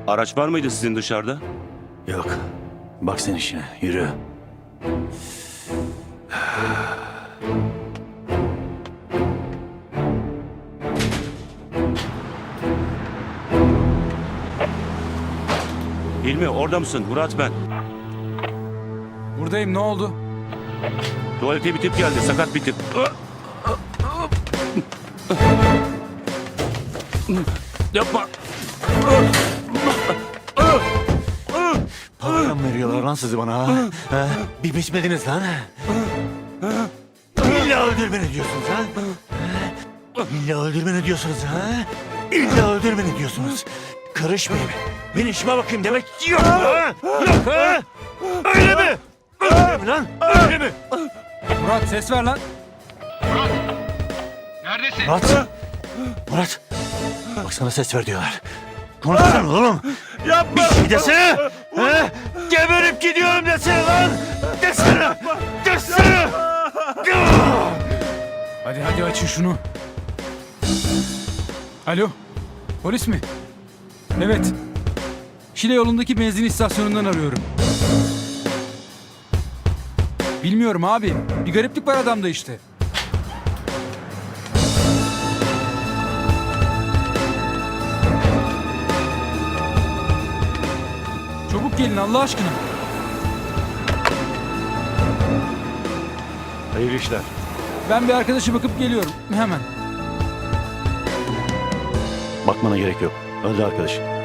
Araç var mıydı sizin dışarıda? Yok. Bak sen işine. Yürü. Hilmi orada mısın? Murat ben. Buradayım, ne oldu? Tuvalete bir tip geldi. Sakat bir tip. Yapma. Para mı veriyorlar lan sizi bana ha? Ha? Bir biçmediniz lan. İlla öldürmeni diyorsunuz ha? İlla öldürmeni diyorsunuz ha? İlla öldürmeni diyorsunuz. Karışmayayım. Ben işime bakayım demek yok ha? Yok ha? Öyle mi? Öyle mi lan? Öyle mi? Murat ses ver lan. Neredesin? Murat. Murat. Bak sana ses ver diyorlar. Konuşsana oğlum. Yapma. Bir şey desene. Ha? Geberip gidiyorum desene lan. Desene. Desene. Hadi açın şunu. Alo, polis mi? Evet. Şile yolundaki benzin istasyonundan arıyorum. Bilmiyorum abi. Bir gariplik var adamda işte. Çabuk gelin Allah aşkına. Hayırlı işler. Ben bir arkadaşa bakıp geliyorum. Hemen. Bakmana gerek yok. Öldü arkadaş.